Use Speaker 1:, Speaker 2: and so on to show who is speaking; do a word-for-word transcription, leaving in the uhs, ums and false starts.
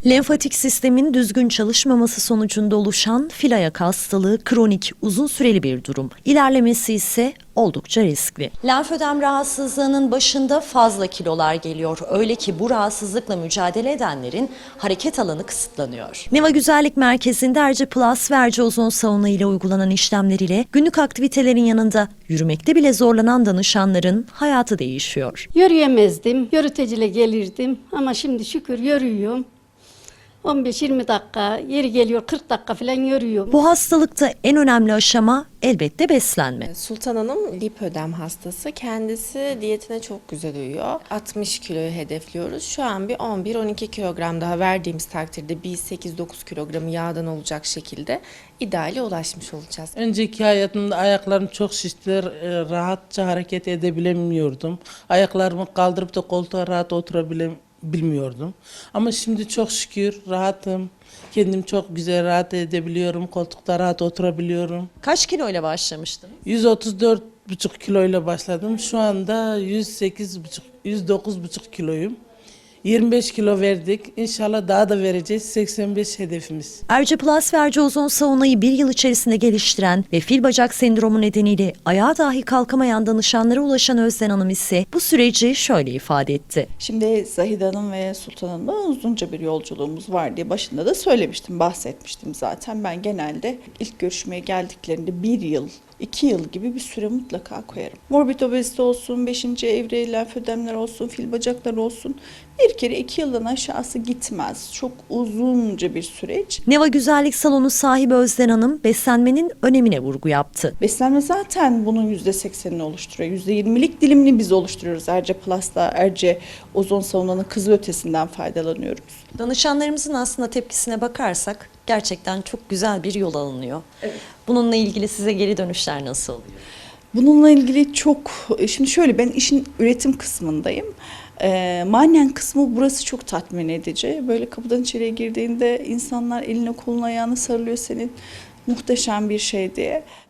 Speaker 1: Lenfatik sistemin düzgün çalışmaması sonucunda oluşan fil ayak hastalığı kronik, uzun süreli bir durum. İlerlemesi ise oldukça riskli. Lenfödem rahatsızlığının başında fazla kilolar geliyor. Öyle ki bu rahatsızlıkla mücadele edenlerin hareket alanı kısıtlanıyor. Neva Güzellik Merkezi'nde Erce Plus ve Erce Ozon Sauna ile uygulanan işlemler ile günlük aktivitelerin yanında yürümekte bile zorlanan danışanların hayatı değişiyor.
Speaker 2: Yürüyemezdim, yürüteciyle gelirdim ama şimdi şükür yürüyorum. on beş yirmi dakika, yeri geliyor kırk dakika falan yürüyorum.
Speaker 1: Bu hastalıkta en önemli aşama elbette beslenme.
Speaker 3: Sultan Hanım lipödem hastası. Kendisi diyetine çok güzel uyuyor. altmış kiloyu hedefliyoruz. Şu an bir on bir on iki kilogram daha verdiğimiz takdirde bir sekiz dokuz kilogramı yağdan olacak şekilde ideale ulaşmış olacağız.
Speaker 4: Önceki hayatımda ayaklarım çok şiştiler, e, rahatça hareket edebilemiyordum. Ayaklarımı kaldırıp da koltuğa rahat oturabilmiyordum. Ama şimdi çok şükür rahatım. Kendim çok güzel rahat edebiliyorum. Koltukta rahat oturabiliyorum.
Speaker 1: Kaç kiloyla başlamıştın?
Speaker 4: yüz otuz dört buçuk kiloyla başladım. Şu anda yüz sekiz buçuk, yüz dokuz buçuk kiloyum. yirmi beş kilo verdik. İnşallah daha da vereceğiz. seksen beş hedefimiz.
Speaker 1: Erce Plus ve Erce Ozon Sauna'yı bir yıl içerisinde geliştiren ve fil bacak sendromu nedeniyle ayağa dahi kalkamayan danışanlara ulaşan Özden Hanım ise bu süreci şöyle ifade etti.
Speaker 5: Şimdi Zahide Hanım ve Sultan Hanım'la uzunca bir yolculuğumuz var diye başında da söylemiştim, bahsetmiştim zaten. Ben genelde ilk görüşmeye geldiklerinde bir yıl, iki yıl gibi bir süre mutlaka koyarım. Morbid obezite olsun, beşinci evre lenfödemler olsun, fil bacaklar olsun bir kere iki yıldan aşağısı gitmez. Çok uzunca bir süreç.
Speaker 1: Neva Güzellik Salonu sahibi Özden Hanım beslenmenin önemine vurgu yaptı.
Speaker 5: Beslenme zaten bunun yüzde seksenini oluşturuyor. yüzde yirmilik dilimini biz oluşturuyoruz. Erce Plus'ta, Erce Ozon Sauna'nın kızılötesinden faydalanıyoruz.
Speaker 1: Danışanlarımızın aslında tepkisine bakarsak gerçekten çok güzel bir yol alınıyor. Evet. Bununla ilgili size geri dönüşler nasıl oluyor?
Speaker 5: Bununla ilgili çok, şimdi şöyle ben işin üretim kısmındayım. E, manen kısmı burası çok tatmin edici. Böyle kapıdan içeriye girdiğinde insanlar eline koluna ayağına sarılıyor senin muhteşem bir şey diye.